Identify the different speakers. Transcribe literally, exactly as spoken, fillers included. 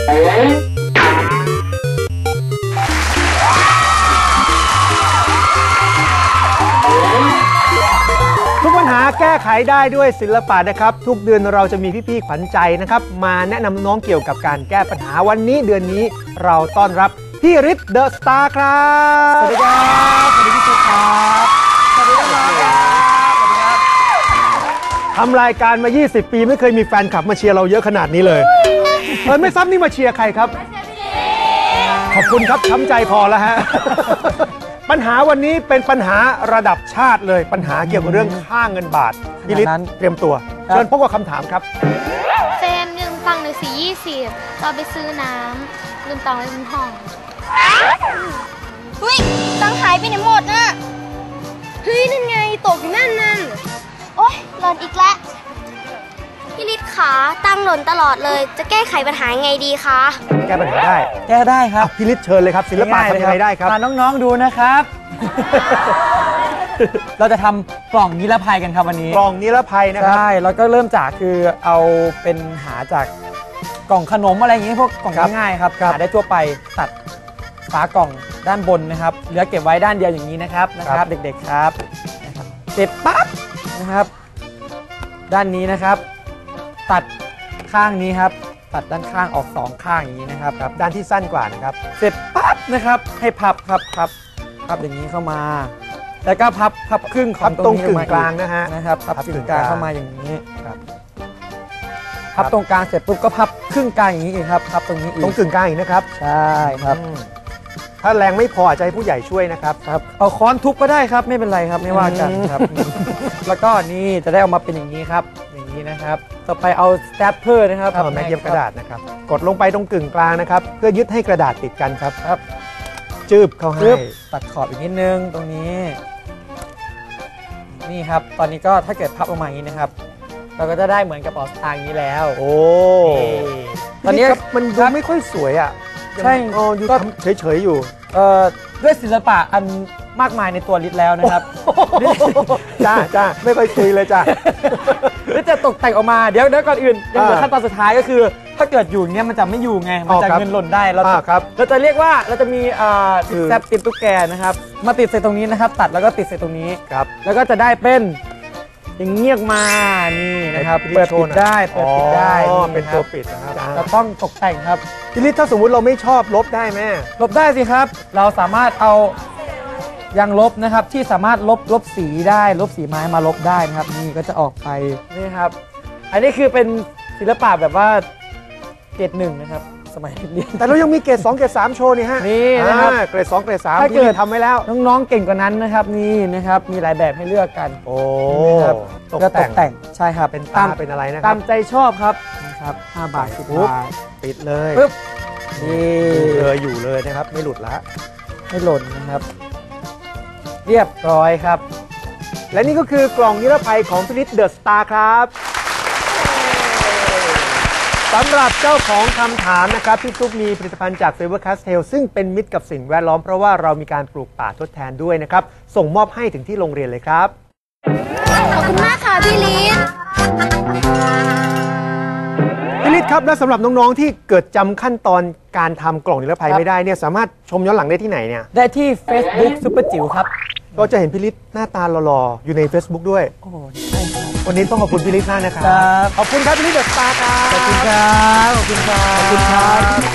Speaker 1: ทุกปัญหาแก้ไขได้ด้วยศิลปะนะครับทุกเดือนเราจะมีพี่ๆขวัญใจนะครับมาแนะนำน้องเกี่ยวกับการแก้ปัญหาวันนี้เดือนนี้เราต้อนรับพี่ฤทธิ์เดอะสตาร์ครับสวัสดีครับสวัสดีพี่สุครับสวัสดีครับสวัสดีครับทำรายการมายี่สิบปีไม่เคยมีแฟนคลับมาเชียร์เราเยอะขนาดนี้เลยเออไม่ซ้ำนี่มาเชียร์ใครครับขอบคุณครับช้ำใจพอแล้วฮะปัญหาวันนี้เป็นปัญหาระดับชาติเลยปัญหาเกี่ยวกับเรื่องค่าเงินบาทพี่ฤทธิ์เตรียมตัวเชิญพบกับคำถามครับ
Speaker 2: เฟรมยืมตังค์หน่อยสิยี่สิบเราไปซื้อน้ำลืมตังค์ไว้บนห้องเฮ้ยตังค์หายไปไหนหมดน่ะเฮ้ยนั่นไงตกอยู่นั่นนั่นโอ๊ยหล่นอีกแล้วพี่ฤทธิ์ขาตังค์หล่นตลอดเลยจะแก้ไขปัญหาไงดีคะ
Speaker 1: แก้ปัญหาได้
Speaker 3: แก้ได้ครับ
Speaker 1: พี่ฤทธิ์เชิญเลยครับศิลปะทำยังไงได้ครับ
Speaker 3: มาน้องๆดูนะครับเราจะทำกล่องนิรภัยกันครับวันนี้
Speaker 1: กล่องนิรภัยนะครับ
Speaker 3: ใช่แล้วก็เริ่มจากคือเอาเป็นหาจากกล่องขนมอะไรอย่างนี้พวกกล่องง่ายๆครับหาได้ทั่วไปตัดฝากล่องด้านบนนะครับเหลือเก็บไว้ด้านเดียวอย่างนี้นะครับนะครับเด็กๆครับเสร็จปั๊บนะครับด้านนี้นะครับตัดข้างนี้ครับตัดด้านข้างออกสองข้างอย่างนี้นะครับครับ
Speaker 1: ด้านที่สั้นกว่านะครับ
Speaker 3: เสร็จปั๊บนะครับให้พับครับพับพับอย่างนี้เข้ามาแล้วก็พับพับครึ่งของ
Speaker 1: ตรงกึ่งกลางนะฮะ
Speaker 3: นะครับพับกึ่งกลางเข้ามาอย่างนี้ครับพับตรงกลางเสร็จปุ๊บก็พับครึ่งกลางอย่างนี้อีกครับพับตรงนี้อีก
Speaker 1: ตรงกึ่งกลางอีกนะครับ
Speaker 3: ใช่ครับ
Speaker 1: ถ้าแรงไม่พออาจจะให้ผู้ใหญ่ช่วยนะครับ
Speaker 3: ครับเอาค้อนทุบก็ได้ครับไม่เป็นไรครับไม่ว่ากันครับแล้วก็นี่จะได้ออกมาเป็นอย่างนี้ครับอย่างนี้นะครับต่อไปเอาสแตปเปอร์นะครับ
Speaker 1: แม็กเย็บกระดาษนะครับกดลงไปตรงกึ่งกลางนะครับเพื่อยึดให้กระดาษติดกันครับ
Speaker 3: ครับ
Speaker 1: จืบเข้าให้
Speaker 3: ตัดขอบอีกนิดนึงตรงนี้นี่ครับตอนนี้ก็ถ้าเกิดพับออกมาอย่างนี้นะครับเราก็จะได้เหมือนกระเป๋าสตางค์นี้แล้ว
Speaker 1: โอ้
Speaker 3: ตอนนี้
Speaker 1: มันดูไม่ค่อยสวยอ่ะ
Speaker 3: ใช่
Speaker 1: ก็เฉยๆอยู่
Speaker 3: ด้วยศิลปะอันมากมายในตัวฤทธิ์แล้วนะครับ
Speaker 1: จ้าจ้าไม่ค่อยคุยเลยจ้า
Speaker 3: ฤทธิ์จะตกแต่งออกมาเดี๋ยวเดี๋ยวก่อนอื่นยังเหลือขั้นตอนสุดท้ายก็คือถ้าเกิดอยู่เนี้ยมันจะไม่อยู่ไงมันจะเงินหล่นได้เรา
Speaker 1: ครับ
Speaker 3: เราจะเรียกว่าเราจะมีแซปติดตุ๊กแกนะครับมาติดใส่ตรงนี้นะครับตัดแล้วก็ติดใส่ตรงนี้
Speaker 1: ครับ
Speaker 3: แล้วก็จะได้เป็นอย่างเงียบมานี่นะครับเปิดปิดได้เปิดปิดได้
Speaker 1: เป็นตัวปิดนะครับ
Speaker 3: เราต้องตกแต่งครับ
Speaker 1: พี่ฤทธิ์ถ้าสมมุติเราไม่ชอบลบได้ไหม
Speaker 3: ลบได้สิครับเราสามารถเอายางลบนะครับที่สามารถลบลบสีได้ลบสีไม้มาลบได้นะครับนี่ก็จะออกไปนี่ครับอันนี้คือเป็นศิลปะแบบว่าเกรดหนึ่งนะครับสมัยเรียน
Speaker 1: แต่เรายังมีเกรดสองเกรดสามโชว์นี่ฮะ
Speaker 3: นี่นะครับ
Speaker 1: เกรดสองเกรดสามถ้าเกิด
Speaker 3: ทำไว้แล้วน้องๆเก่งกว่านั้นนะครับนี่นะครับมีหลายแบบให้เลือกกัน
Speaker 1: โอ้
Speaker 3: ตกแต่งใช่ครับ
Speaker 1: เป็นตาเป็นอะไรนะครับ
Speaker 3: ตามใจชอบครับนะครับห้าบาทสิบบาท
Speaker 1: ปิดเลย
Speaker 3: ปึ๊บนี่
Speaker 1: เลยอยู่เลยนะครับไม่หลุดละ
Speaker 3: ไม่หล่นนะครับเรียบร้อยครับ
Speaker 1: และนี่ก็คือกล่องนิรภัยของพี่ฤทธิ์เดอะสตาร์ครับสำหรับเจ้าของคำถามนะครับพี่ตุ๊กมีผลิตภัณฑ์จาก Faber Castell ซึ่งเป็นมิตรกับสิ่งแวดล้อมเพราะว่าเรามีการปลูกป่าทดแทนด้วยนะครับส่งมอบให้ถึงที่โรงเรียนเลยครับ
Speaker 2: ขอบคุณมากค่ะพี่ฤทธิ์
Speaker 1: พี่ฤทธิ์ครับและสำหรับน้องๆที่เกิดจำขั้นตอนการทำกล่องนิรภัยไม่ได้เนี่ยสามารถชมย้อนหลังได้ที่ไหนเนี่ย
Speaker 3: ได้ที่ Facebook ซุปเปอร์จิ๋วครับ
Speaker 1: ก็จะเห็นพี่ฤทธิ์หน้าตาหล่อๆอยู่ใน Facebook ด้วย
Speaker 3: โอ้ใช่ครับ
Speaker 1: วันนี้ต้องขอบคุณพี่ฤทธิ์มากนะครับขอบคุณครับพี่ฤทธิ์เดอะสตาร์ครับ
Speaker 3: ขอบคุณครับขอบคุณครับ
Speaker 1: ขอบคุณครับ